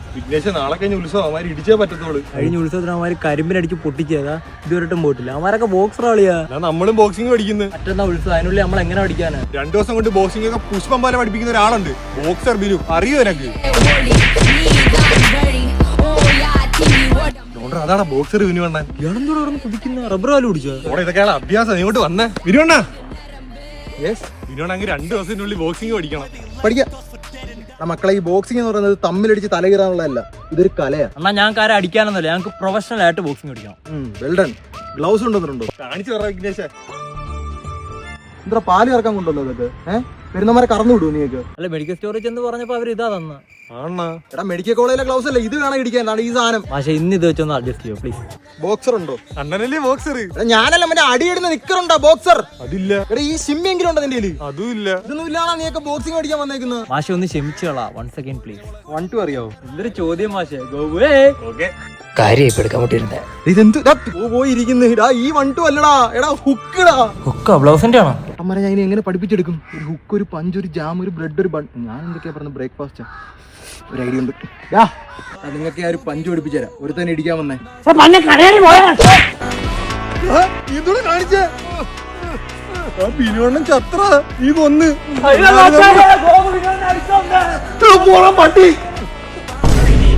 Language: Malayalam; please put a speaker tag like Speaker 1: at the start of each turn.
Speaker 1: വിഘ്നേശ് നാളെ കഴിഞ്ഞ ഉത്സവം അവന്മാർ ഇടിച്ചേ പറ്റത്തോളൂ.
Speaker 2: കഴിഞ്ഞ ഉത്സവത്തിന് അവന്മാർ കരിമ്പിനടിച്ച് പൊട്ടിച്ചതാ, ഇതുവരെട്ടും പോയിട്ടില്ല. അവന്മാരൊക്കെ ബോക്സർ കളിയാ.
Speaker 1: നമ്മളും ബോക്സിംഗ് പഠിക്കുന്നത്.
Speaker 2: മറ്റന്നാ ഉത്സവം, അതിനുള്ളിൽ നമ്മൾ എങ്ങനെ പഠിക്കാനാ?
Speaker 1: 2 ദിവസം കൊണ്ട് ബോക്സിംഗ് ഒക്കെ പുഷ്പം പോലെ പഠിപ്പിക്കുന്ന ഒരാളുണ്ട്, ബോക്സർ ബിനു. അറിയോ എനക്ക്? അതാണ് ബോക്സർ ബിനു അണ്ണൻ.
Speaker 2: ഇയാളെന്തോടെ കുതിക്കുന്ന റബ്ബർ പാല് കുടിച്ചോ?
Speaker 1: ഇതൊക്കെയാണ് അഭ്യാസം. ഇങ്ങോട്ട് വന്നേ ബിനുവണ്ണ. ബിനുവണ്ണ 2 ദിവസത്തിനുള്ളിൽ ബോക്സിംഗ് പഠിക്കണം.
Speaker 3: പഠിക്കാം മക്കളെ. ഈ ബോക്സിംഗ് എന്ന് പറയുന്നത് തമ്മിലടിച്ച് തലകീറാനുള്ളതല്ല, ഇതൊരു കലയാണ്.
Speaker 2: എന്നാ ഞങ്ങൾക്ക് ആരെ അടിക്കാനൊന്നുമില്ല, ഞങ്ങൾക്ക് പ്രൊഫഷണൽ ആയിട്ട് ബോക്സിംഗ് പഠിക്കണം.
Speaker 3: വെൽഡൺ. ഗ്ലൗസ് കൊണ്ടുവന്നിട്ടുണ്ടോ?
Speaker 1: കാണിച്ചു പറ വിഘ്നേശ.
Speaker 3: എന്താ പാല് കറക്കാൻ കൊണ്ടുവല്ലോ ഇതൊക്കെ? പെരുന്നമാരെ കറന്നു വിടുവോ നീക്ക്?
Speaker 2: അല്ല, മെഡിക്കൽ സ്റ്റോറേജ് എന്ന് പറഞ്ഞപ്പോ അവർ ഇതാ തന്ന.
Speaker 3: എടാ മെഡിക്കൽ കോളേജിലെ ഗ്ലൗസ് അല്ലേ ഇത്? വേണം ഇടിക്കാൻ ഈ സാധനം.
Speaker 2: പക്ഷെ ഇന്ന് ഇത് വെച്ചൊന്ന് അഡ്ജസ്റ്റ് ചെയ്യോ പ്ലീസ്.
Speaker 3: ബോക്സർ ഉണ്ടോ?
Speaker 1: അണ്ണനല്ലേ ബോക്സർ.
Speaker 3: ഞാനല്ല മറ്റേ അടിയിടുന്ന നിക്കറുണ്ടോ ബോക്സർ?
Speaker 1: അതില്ല.
Speaker 3: എടാ ഈ സിമ്മെങ്കിലും ഉണ്ടോ നിന്റെ?
Speaker 1: അതും ഇല്ല.
Speaker 3: ഇതൊന്നും ഇല്ലാണോ നീയൊക്കെ ബോക്സിംഗ് പഠിക്കാൻ വന്നേക്കുന്നത്?
Speaker 2: മാഷെ ഒന്ന് ക്ഷമിച്ചോളാ, 1 സെക്കൻഡ് പ്ലീസ്.
Speaker 3: 1 2 അറിയാവോ?
Speaker 2: എന്തൊരു ചോദ്യം മാഷെ.
Speaker 3: ഈ 1 2 അല്ലടാ, എടാ ഹുക്കടാ.
Speaker 2: ഹുക്കാ ബ്ലൗസിന്റെ ആണോ?
Speaker 3: അമ്മരെ ഞാൻ എങ്ങനെ പഠിപ്പിച്ചെടുക്കും? ഒരു ഹുക്ക്, ഒരു പഞ്ച്, ഒരു ജാം, ഒരു ബ്രെഡ്, ഒരു ബൺ. ഞാൻ എന്തൊക്കെയാ പറഞ്ഞ ബ്രേക്ക്ഫാസ്റ്റ് ഒരു ഐഡിയ ഉണ്ട്. നിങ്ങൾക്ക് ഞാൻ ഒരു പഞ്ച് പഠിപ്പിച്ചു തരാം. ഒരു തന്നെ ഇടിക്കാൻ വന്നേ. കാണിച്ചേ ബിനുവണ്ണൻ ചത്ര ഈ കൊന്ന് പട്ടി.